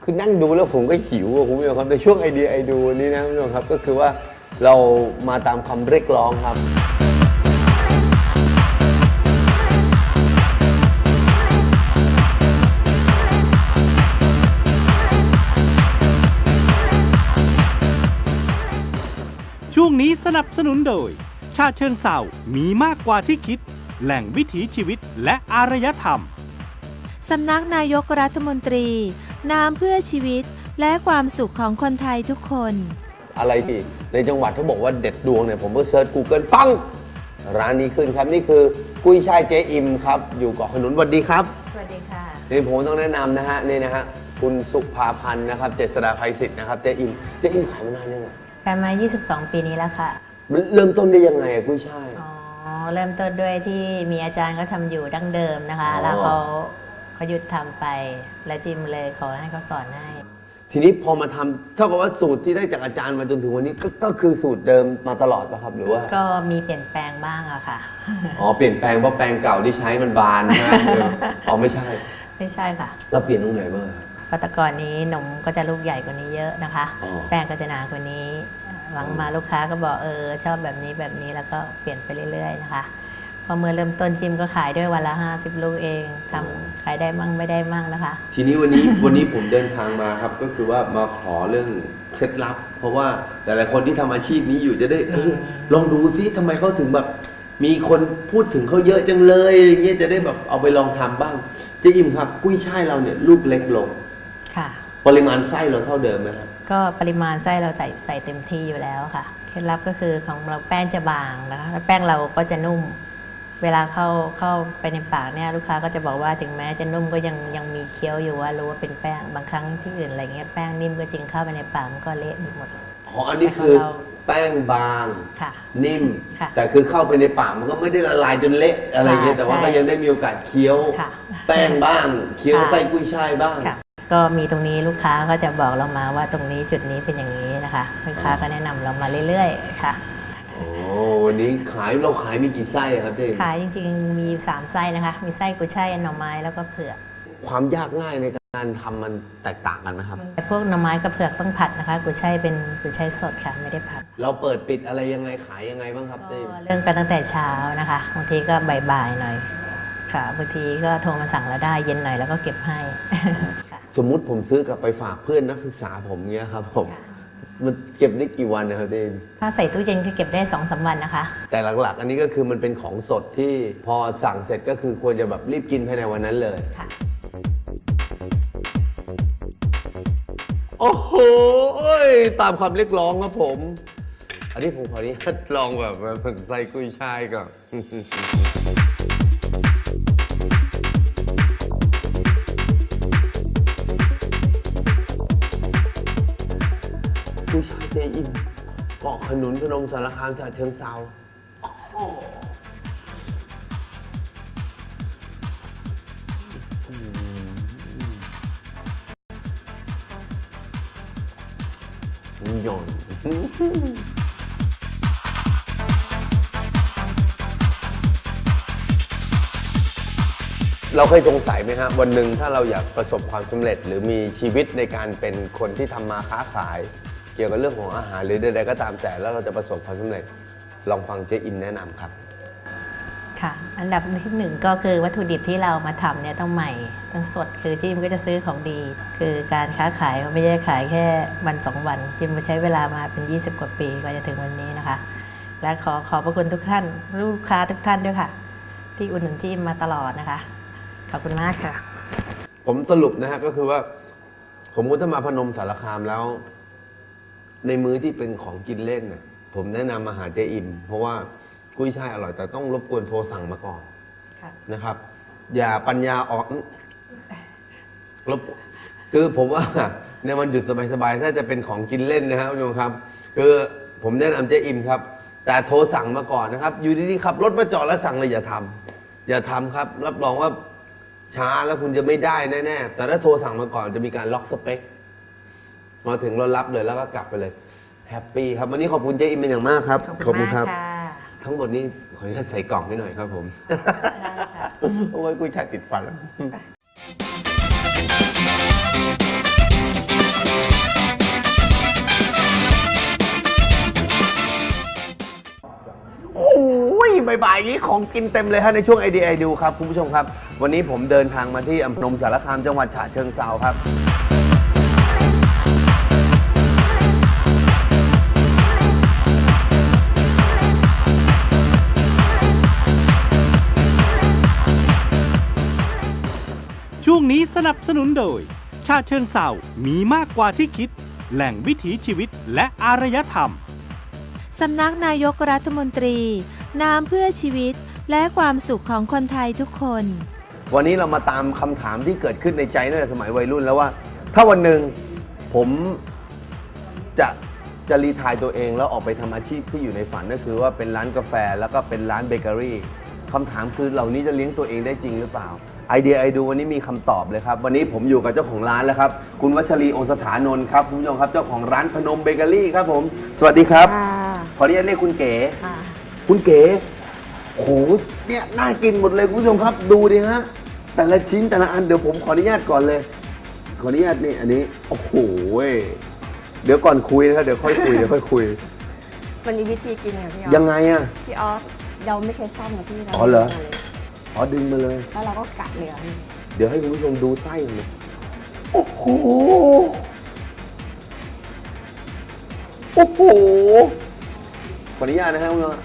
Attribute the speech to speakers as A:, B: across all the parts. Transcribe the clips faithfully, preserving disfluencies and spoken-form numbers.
A: คือนั่งดูแล้วผมก็หิวอะคุณผู้ชมครับในช่วงไอเดียไอดูนี้นะคุณผู้ชมครับก็คือว่าเรามาตามคำเรียกร้องครับ
B: ช่วงนี้สนับสนุนโดยชาเชิงเศร้ามีมากกว่าที่คิดแหล่งวิถีชีวิตและอารยธรรม
C: สำนักนายกรัฐมนตรีน้ำเพื่อชีวิตและความสุขของคนไทยทุกคน
A: อะไรที่ในจังหวัดเขาบอกว่าเด็ดดวงเนี่ยผมก็เซิร์ช Google ปังร้านนี้ขึ้นครับนี่คือกุ้ยช่ายเจ๊อิมครับอยู่เกาะขนุนสวัสดีครับ
C: สวัสดีค่ะ
A: นี่ผมต้องแนะนำนะฮะนี่นะฮะคุณสุภาพันธ์นะครับเจษฎาภัยศิษย์นะครับเจ๊อิมเจ๊อิมขายมานานยังไง
D: ขายมายี่สิบสองปีนี้แล้วค่ะ
A: มันเริ่มต้นได้ยังไงอะกุ้ยช่าย
D: อ๋อเริ่มต้นด้วยที่มีอาจารย์เขาทำอยู่ดั้งเดิมนะคะแล้วเขาเขาหยุดทำไปแล้วจิมเลยขอให้เขาสอนให้
A: ทีนี้พอมาทำเท่ากับว่าสูตรที่ได้จากอาจารย์มาจนถึงวันนี้ก็ก็คือสูตรเดิมมาตลอดป่ะครับหรือว่า
D: ก็มีเปลี่ยนแปลงบ้างอะค่ะ
A: อ๋อเปลี่ยนแปลงเพราะแปลงเก่าที่ใช้มันบานนะอ๋อไม่ใช่
D: ไม่ใช่ค่ะ
A: เราเปลี่ยนตรงไหนบ้าง
D: ปัตตกรนี้นมก็จะลูกใหญ่กว่านี้เยอะนะคะแป้งก็จะหนากว่านี้หลังมาลูกค้าก็บอกเออชอบแบบนี้แบบนี้แล้วก็เปลี่ยนไปเรื่อยๆนะคะพอเมื่อเริ่มต้นจิมก็ขายด้วยวันละห้าสิบลูกเองทำขายได้มั่งไม่ได้มั่งนะคะ
A: ทีนี้วันนี้วันนี้ผมเดินทางมาครับก็คือว่ามาขอเรื่องเคล็ดลับเพราะว่าหลายๆคนที่ทำอาชีพนี้อยู่จะได้เออลองดูซิทำไมเขาถึงแบบมีคนพูดถึงเขาเยอะจังเลยอย่างเงี้ยจะได้แบบเอาไปลองทำบ้างเจ๊อิมครับกุ้ยช่ายเราเนี่ยลูกเล็กลง
D: ค่ะ
A: ปริมาณไส้เราเท่าเดิมไหมครับ
D: ก็ปริมาณไส้เราใส่ใส่เต็มที่อยู่แล้วค่ะเคล็ดลับก็คือของเราแป้งจะบางนะคะแล้วแป้งเราก็จะนุ่มเวลาเข้าเข้าไปในปากเนี่ยลูกค้าก็จะบอกว่าถึงแม้จะนุ่มก็ยังยังมีเคี้ยวอยู่ว่ารู้ว่าเป็นแป้งบางครั้งที่อื่นอะไรเงี้ยแป้งนิ่มก็จริงเข้าไปในปากมันก็เละหมด
A: อ๋ออันนี้คือแป้งบางนิ่มแต่คือเข้าไปในปากมันก็ไม่ได้ละลายจนเละอะไรเงี้ยแต่ว่าก็ยังได้มีโอกาสเคี้ยวแป้งบ้างเคี้ยวไส้กุ้ยช่ายบ้าง
D: ก็มีตรงนี้ลูกค้าก็จะบอกเรามาว่าตรงนี้จุดนี้เป็นอย่างนี้นะคะลูกค้าก็แนะนำเรามาเรื่อยๆค่ะ
A: โอ้วันนี้ขายเราขายมีกี่ไส้ครับเจ๊
D: ขายจริงๆมีสามไส้นะคะมีไส้กุ้ยช่ายหน่อไม้แล้วก็เผือก
A: ความยากง่ายในการทำมันแตกต่างกันไหมครับ
D: พวกหน่อไม้กับเผือกต้องผัดนะคะกุ้ยช่ายเป็นกุ้ยช่ายสดค่ะไม่ได้ผัด
A: เราเปิดปิดอะไรยังไงขายยังไงบ้างครับเจ๊
D: เรื่องกันตั้งแต่เช้านะคะบางทีก็บ่ายๆหน่อยค่ะบางทีก็โทรมาสั่งเราได้เย็นหน่อยแล้วก็เก็บให้
A: สมมุติผมซื้อกลับไปฝากเพื่อนนักศึกษาผมเงี้ยครับผมมันเก็บได้กี่วันนะครับเจ๊
D: ถ้าใส่ตู้เย็นก็เก็บได้สองสามวันนะคะ
A: แต่หลักๆอันนี้ก็คือมันเป็นของสดที่พอสั่งเสร็จก็คือควรจะแบบรีบกินภายในวันนั้นเลยค่ะโอ้โหตามคำเรียกร้องครับผมอันนี้ผมขออนุญาตลองแบบผงไส้กุ้ยช่ายก่อนกุ้ยช่ายเจ๊อิมเกาะขนุนพนมสารคามฉะเชิงเทราหย่อนเราเคยสงสัยไหมฮะวันหนึ่งถ้าเราอยากประสบความสำเร็จหรือมีชีวิตในการเป็นคนที่ทำมาค้าขายเกี่ยวกับเรื่องของอาหารหรือใดๆก็ตามแต่แล้วเราจะประสบความสำเร็จลองฟังเจ๊อิมแนะนำครับ
D: ค่ะอันดับที่หนึ่งก็คือวัตถุดิบที่เรามาทำเนี่ยต้องใหม่ต้องสดคือจิมก็จะซื้อของดีคือการค้าขายไม่ได้ขายแค่วันสองวันจิมใช้เวลามาเป็นยี่สิบกว่าปีกว่าจะถึงวันนี้นะคะและขอขอบพระคุณทุกท่านลูกค้าทุกท่านด้วยค่ะที่อุดหนุนจิมมาตลอดนะคะขอบคุณมากค่ะ
A: ผมสรุปนะฮะก็คือว่าผมก็ถ้ามาพนมสารคามแล้วในมื้อที่เป็นของกินเล่นน่ะผมแนะนำมาหาเจ๊อิมเพราะว่ากุ้ยช่ายอร่อยแต่ต้องรบกวนโทรสั่งมาก่อนนะครับ อย่าปัญญาอ่อนรบคือผมว่าในวันหยุดสบายๆถ้าจะเป็นของกินเล่นนะครับคุณผู้ชมครับคือผมแนะนำเจ๊อิมครับแต่โทรสั่งมาก่อนนะครับอยู่ดีๆขับรถมาจอดแล้วสั่งเลยอย่าทำอย่าทำครับรับรองว่าช้าแล้วคุณจะไม่ได้แน่ๆแต่ถ้าโทรสั่งมาก่อนจะมีการล็อกสเปคมาถึงเรารับเลยแล้วก็กลับไปเลยแฮปปี้ครับวันนี้ขอบคุณเจ๊อิมเป็นอย่างมากครับ
D: ขอบคุณครับ
A: ทั้งหมดนี้ขออนุญาตใส่กล่องให้หน่อยครับผมได้ค่ะโอ้ยกุ้ยช่ายติดฟันแล้วบ่ายๆนี้ของกินเต็มเลยฮะในช่วงไอเดียไอดูครับคุณผู้ชมครับวันนี้ผมเดินทางมาที่อำเภอพนมสารคามจังหวัดฉะเชิงเทราครับ
B: ช่วงนี้สนับสนุนโดยชาเชิงเศร้ามีมากกว่าที่คิดแหล่งวิถีชีวิตและอารยธรรม
C: สำนักนายกรัฐมนตรีน้ำเพื่อชีวิตและความสุขของคนไทยทุกคน
A: วันนี้เรามาตามคำถามที่เกิดขึ้นในใจตั้งแต่สมัยวัยรุ่นแล้วว่าถ้าวันหนึ่งผมจะจะรีไทร์ตัวเองแล้วออกไปทำอาชีพที่อยู่ในฝันก็คือว่าเป็นร้านกาแฟแล้วก็เป็นร้านเบเกอรี่คำถามคือเหล่านี้จะเลี้ยงตัวเองได้จริงหรือเปล่าไอเดียไอดูวันนี้มีคำตอบเลยครับวันนี้ผมอยู่กับเจ้าของร้านแล้วครับคุณวัชรีโอสถานนท์ครับคุณผู้ชมครับเจ้าของร้านพนมเบเกอรี่ครับผมสวัสดีครับขออนุญาตเรียกคุณเก๋คุณเก๋โหเนี่ยน่ากินหมดเลยคุณผู้ชมครับดูดิฮะแต่ละชิ้นแต่ละอันเดี๋ยวผมขออนุญาตก่อนเลยขออนุญาตนี่อันนี้โอ้โหเดี๋ยวก่อนคุยนะครับเดี๋ยวค่อยคุยเดี๋ยวค่อยคุย
E: มันมีวิธีกินค่ะพี่ออฟ
A: ยังไงอะ
E: พี่ออฟเราไม่ใช้ซ่อมนะพี่เรา
A: อ๋อเหรออ๋อดึงมาเลย
E: แล้วเราก็กัดเหลือ
A: เดี๋ยวให้คุณผู้ชมดูไส้เลยโอ้โหโอ้โหขออนุญาตนะครับคุณผู้ชม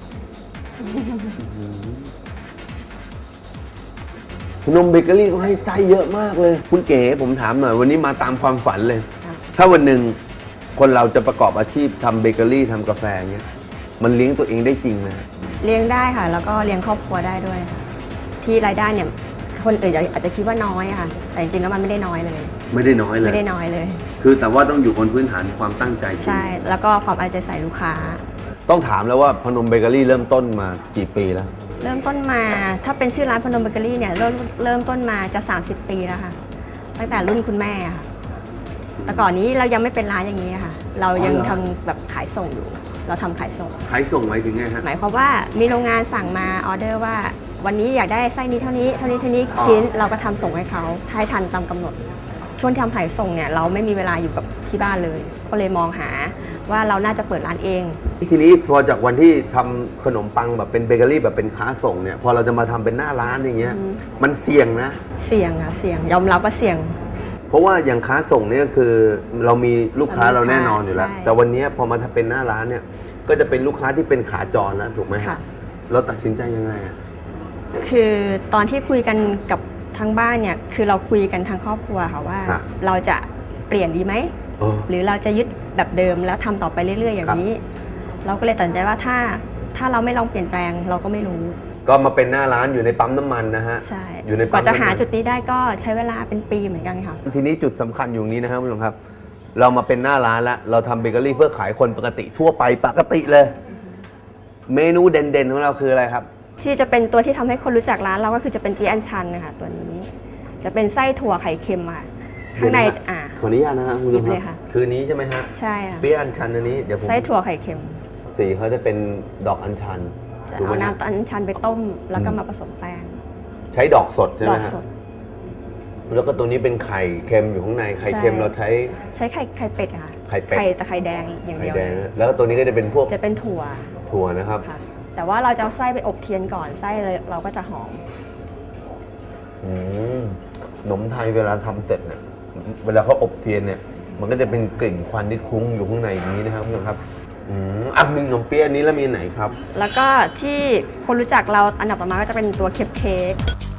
A: ขนมเบเกอรี่เขาให้ไส้เยอะมากเลยคุณเก๋ผมถามหน่อยวันนี้มาตามความฝันเลยถ้าวันหนึ่งคนเราจะประกอบอาชีพทำเบเกอรี่ทำกาแฟเงี้ยมันเลี้ยงตัวเองได้จริงไหม
E: เลี้ยงได้ค่ะแล้วก็เลี้ยงครอบครัวได้ด้วยที่รายได้เนี่ยคนอื่นอาจจะคิดว่าน้อยค่ะแต่จริงๆแล้วมันไม่ได้น้อยเลย
A: ไม่ได้น้อยเลย
E: ไม่ได้น้อยเลย
A: คือแต่ว่าต้องอยู่บนพื้นฐานความตั้งใจ
E: ใช่แล้วก็ความเอาใจใส่ลูกค้า
A: ต้องถามแล้วว่าพนมเบเกอรี่เริ่มต้นมากี่ปีแล้ว
E: เริ่มต้นมาถ้าเป็นชื่อร้านพนมเบเกอรี่เนี่ยเริ่มเริ่มต้นมาจะสามสิบปีแล้วค่ะตั้งแต่รุ่นคุณแม่ค่ะแต่ก่อนนี้เรายังไม่เป็นร้านอย่างนี้ค่ะเรายังทำแบบขายส่งอยู่เราทำขายส่ง
A: ขายส่งหมายถึงไงฮะ
E: หมายความว่ามีโรงงานสั่งมาออเดอร์ว่าวันนี้อยากได้ไส้นี้เท่านี้เท่านี้เท่านี้ชิ้นเราก็ทำส่งให้เขาให้ทันตามกำหนดช่วงทำขายส่งเนี่ยเราไม่มีเวลาอยู่กับที่บ้านเลยก็เลยมองหาว่าเราน่าจะเปิดร้านเอง
A: ทีนี้พอจากวันที่ทำขนมปังแบบเป็นเบเกอรี่แบบเป็นค้าส่งเนี่ยพอเราจะมาทำเป็นหน้าร้านอย่างเงี้ยมันเสี่ยงนะ
E: เสี่ยงอะเสี่ยงยอมรับว่าเสี่ยง
A: เพราะว่าอย่างค้าส่งเนี่ยคือเรามีลูกค้าเราแน่นอนอยู่แล้วแต่วันนี้พอมาทำเป็นหน้าร้านเนี่ยก็จะเป็นลูกค้าที่เป็นขาจรแล้วถูกไหมครับเราตัดสินใจยังไงอะ
E: คือตอนที่คุยกันกับทางบ้านเนี่ยคือเราคุยกันทางครอบครัวค่ะว่าเราจะเปลี่ยนดีไหมหรือเราจะยึดแบบเดิมแล้วทำต่อไปเรื่อยๆอย่างนี้เราก็เลยตัดสินใจว่าถ้าถ้าเราไม่ลองเปลี่ยนแปลงเราก็ไม่รู้
A: ก็มาเป็นหน้าร้านอยู่ในปั๊มน้ำมันนะฮะ
E: ใช่อยู่ในกว่าจะหาจุดนี้ได้ก็ใช้เวลาเป็นปีเหมือนกันค่ะ
A: ทีนี้จุดสำคัญอยู่นี้นะครับคุณผู้ชมครับเรามาเป็นหน้าร้านแล้วเราทำเบเกอรี่เพื่อขายคนปกติทั่วไปปกติเลยเมนูเด่นๆของเราคืออะไรครับ
E: ที่จะเป็นตัวที่ทำให้คนรู้จักร้านเราก็คือจะเป็นจีอันชันนะคะตัวนี้จะเป็นไส้ถั่วไข่เค็มค่ะข้างในอ่า
A: ขออนุญาตนะครับคุณผู้ชมครับคือนี้ใช่ไหมฮะ
E: ใช่ค่ะ
A: ปีอันชันอันนี้เดี๋ยวผม
E: ไส้ถั่วไข่เค็ม
A: สีเขาจะเป็นดอกอัญชัน
E: เอาน้ำอัญชันไปต้มแล้วก็มาผสมแป้ง
A: ใช้ดอกสดใช่ไหมฮะแล้วก็ตัวนี้เป็นไข่เค็มอยู่ข้างในไข่เค็มเราใช้
E: ใช้ไข่ไข่เป็ดค่ะ
A: ไข่เป็ด
E: ไข่แต่ไข่แดงอย่างเดียว
A: แล้วก็ตัวนี้ก็จะเป็นพวก
E: จะเป็นถั่ว
A: ถั่วนะครับ
E: แต่ว่าเราจะเอาไส้ไปอบเทียนก่อนไส้เลยเราก็จะหอม
A: อืมขนมไทยเวลาทำเสร็จเนี่ยเวลาเขาอบเทียนเนี่ยมันก็จะเป็นกลิ่นควันที่คุ้งอยู่ข้างในอย่างนี้นะครับคุณผู้ชมครับอืมอ่ะมีขนมเปี๊ยะนี้แล้วมีไหนครับ
E: แล้วก็ที่คนรู้จักเราอันดับต่อมาก็จะเป็นตัวเค้กเค้ก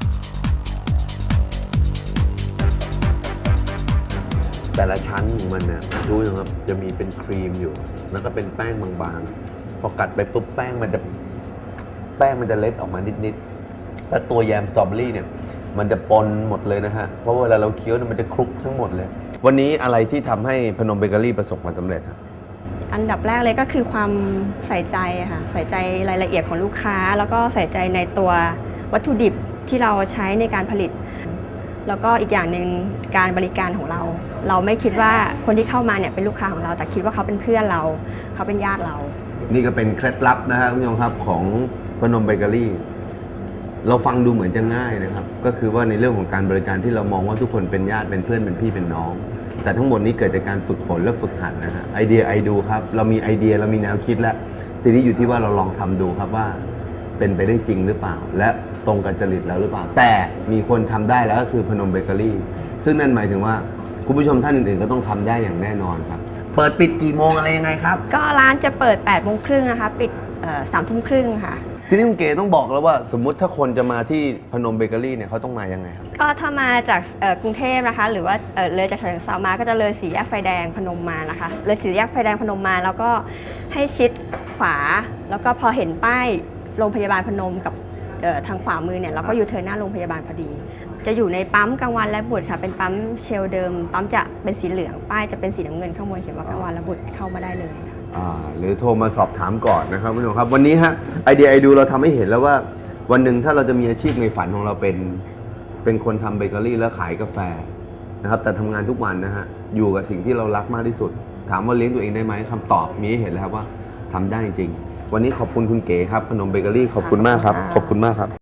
A: แต่ละชั้นของมันเนี่ยดูนะครับจะมีเป็นครีมอยู่แล้วก็เป็นแป้งบางๆพอกัดไปปุ๊บแป้งมันจะแป้งมันจะเล็ดออกมานิดๆแล้วตัวแยมสตรอเบอรี่เนี่ยมันจะปนหมดเลยนะฮะเพราะเวลาเราเคี้ยวมันจะคลุกทั้งหมดเลยวันนี้อะไรที่ทำให้พนมเบเกอรี่ประสบความสำเร็จครับ
E: อันดับแรกเลยก็คือความใส่ใจค่ะใส่ใจรายละเอียดของลูกค้าแล้วก็ใส่ใจในตัววัตถุดิบที่เราใช้ในการผลิตแล้วก็อีกอย่างหนึ่งการบริการของเราเราไม่คิดว่าคนที่เข้ามาเนี่ยเป็นลูกค้าของเราแต่คิดว่าเขาเป็นเพื่อนเราเขาเป็นญาติเรา
A: นี่ก็เป็นเคล็ดลับนะฮะคุณผู้ชมครับของพนมเบเกอรี่เราฟังดูเหมือนจะง่ายนะครับก็คือว่าในเรื่องของการบริการที่เรามองว่าทุกคนเป็นญาติเป็นเพื่อนเป็นพี่เป็นน้องแต่ทั้งหมดนี้เกิดจากการฝึกฝนและฝึกหัดนะฮะไอเดียไอดูครับเรามีไอเดียเรามีแนวคิดแล้วทีนี้อยู่ที่ว่าเราลองทำดูครับว่าเป็นไปได้จริงหรือเปล่า และตรงกับจริตแล้วหรือเปล่า แต่มีคนทำได้แล้วก็คือพนมเบเกอรี่ซึ่งนั่นหมายถึงว่าคุณผู้ชมท่านอื่นๆก็ต้องทำได้อย่างแน่นอนครับเปิดปิดกี่โมงอะไรยังไงครับ
E: ก็ร้านจะเปิดแปดโมงครึ่งนะคะปิดสามทุ่มครึ่งค่ะ
A: ทีนี้คุณเก๋ต้องบอกแล้วว่าสมมุติถ้าคนจะมาที่พนมเบเกอรี่เนี่ยเขาต้องมายังไงครับ
E: ก็ถ้ามาจากกรุงเทพนะคะหรือว่าเลยจากฉะเชิงเทรามาก็จะเลยสี่แยกไฟแดงพนมมานะคะเลยสี่แยกไฟแดงพนมมาแล้วก็ให้ชิดขวาแล้วก็พอเห็นป้ายโรงพยาบาลพนมกับทางขวามือเนี่ยเราก็อยู่เทิร์นหน้าโรงพยาบาลพอดีจะอยู่ในปั๊มกลางวันและบุตรค่ะเป็นปั๊มเชลเดิมปั๊มจะเป็นสีเหลืองป้ายจะเป็นสีน้ำเงินข้างบนเขียนว่ากลางวันและบุตรเข้ามาได้เลย
A: อ่าหรือโทรมาสอบถามก่อนนะครับคุณผู้ชมครับวันนี้ฮะไอเดียไอดูเราทำให้เห็นแล้วว่าวันหนึ่งถ้าเราจะมีอาชีพในฝันของเราเป็นเป็นคนทำเบเกอรี่แล้วขายกาแฟนะครับแต่ทำงานทุกวันนะฮะอยู่กับสิ่งที่เรารักมากที่สุดถามว่าเลี้ยงตัวเองได้ไหมคำตอบมีให้เห็นแล้วครับว่าทำได้จริงวันนี้ขอบคุณคุณเก๋ครับพนมเบเกอรี่ขอบคุณมากครับขอบคุณมากครับ